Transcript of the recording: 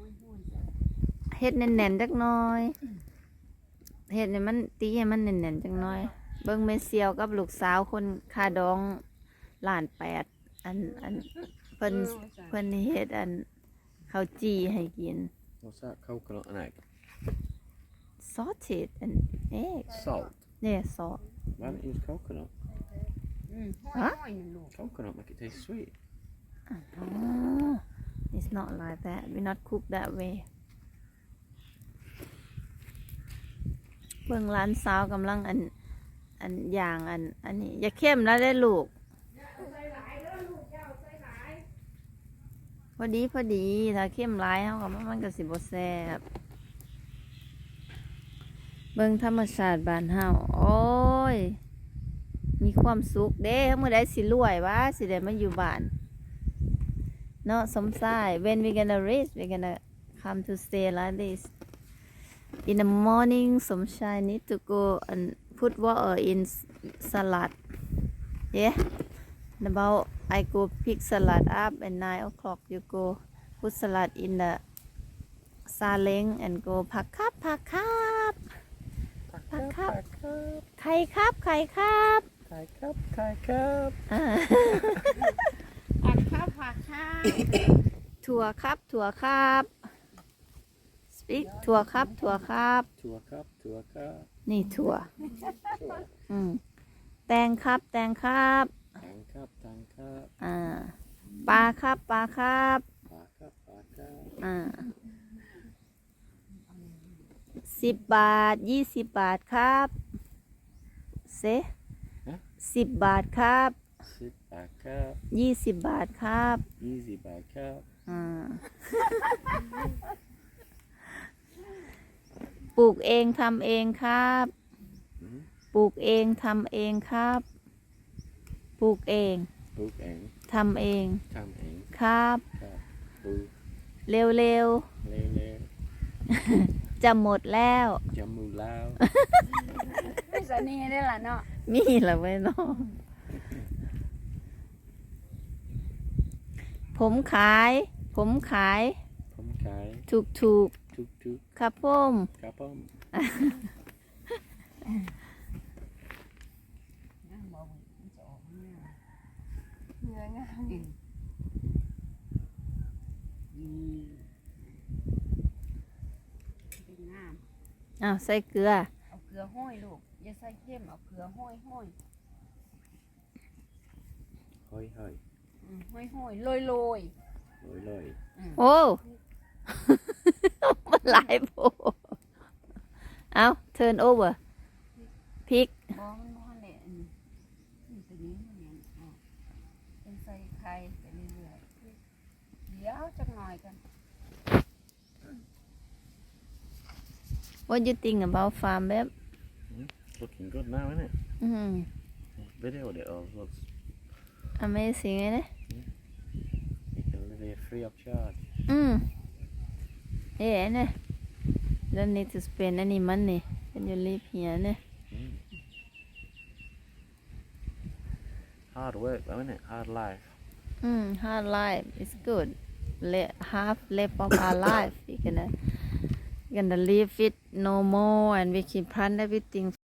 เฮ็ดแน่นๆจักหน่อยเฮ็ดให้มันตีให้มันแน่นๆจักหน่อยเบิ่งแม่เซียวกับลูกสาวคนคาดอง1.8 ล้านอันเพิ่นเฮ็ดอันข้าวจี่ให้กิน What's that? Coconut and egg. sausage and egg Salt. yeah salt Why don't you use coconut? Coconut make it taste sweet. oh it's not like that we not cook that way เบิ่งร้านสาวกำลังอันอย่างอันนี้อย่าเข้มแล้วได้ลูกพอดีถ้าเข้มหลายเฮาก็มันก็สิบ่แซ่บเบิ่งธรรมชาติบ้านเฮาโอ้ยมีความสุขเด้มื้อใดสิรวยวะสิได้มาอยู่บ้านเนาะสมชาย when we gonna rich we gonna come to stay like this in the morning สมชาย need to go and put water in salad yeah and about I go pick salad up and 9 o'clock you go put salad in the saleng and go ผักครับไข่ครับถั่วครับ speak ถั่วครับนี่ถั่วแตงครับปลาครับ10 บาท20 บาทครับเซ10 บาทครับ20 บาทครับปลูกเองทำเองครับปลูกเองทำเองครับปลูกเองทำเองครับเร็วจะหมดแล้วไม่สนีได้ล่ะเนาะมีละไว้เนาะผมขายถูกครับผมใส่เกลือเอาเกลือห้อยลูกอย่าใส่เข้มเอาเกลือห้อยโรยโอ้มันหลายโพเอา turn over พริกมันเนี่ยตัวนี้เนี่ยเป็นใส่ไข่ไปเรื่อยๆเดี๋ยวจักหน่อยกัน What do you think about farm babe? Looking good now, isn't it? Video it all looks amazing, isn't it? You can live here free of charge. Yeah, isn't it? Don't need to spend any money when you live here, isn't it? Hard work though, isn't it? Hard life. Hard life is good. Half left of our life, we're gonna live it no more and we can plan everything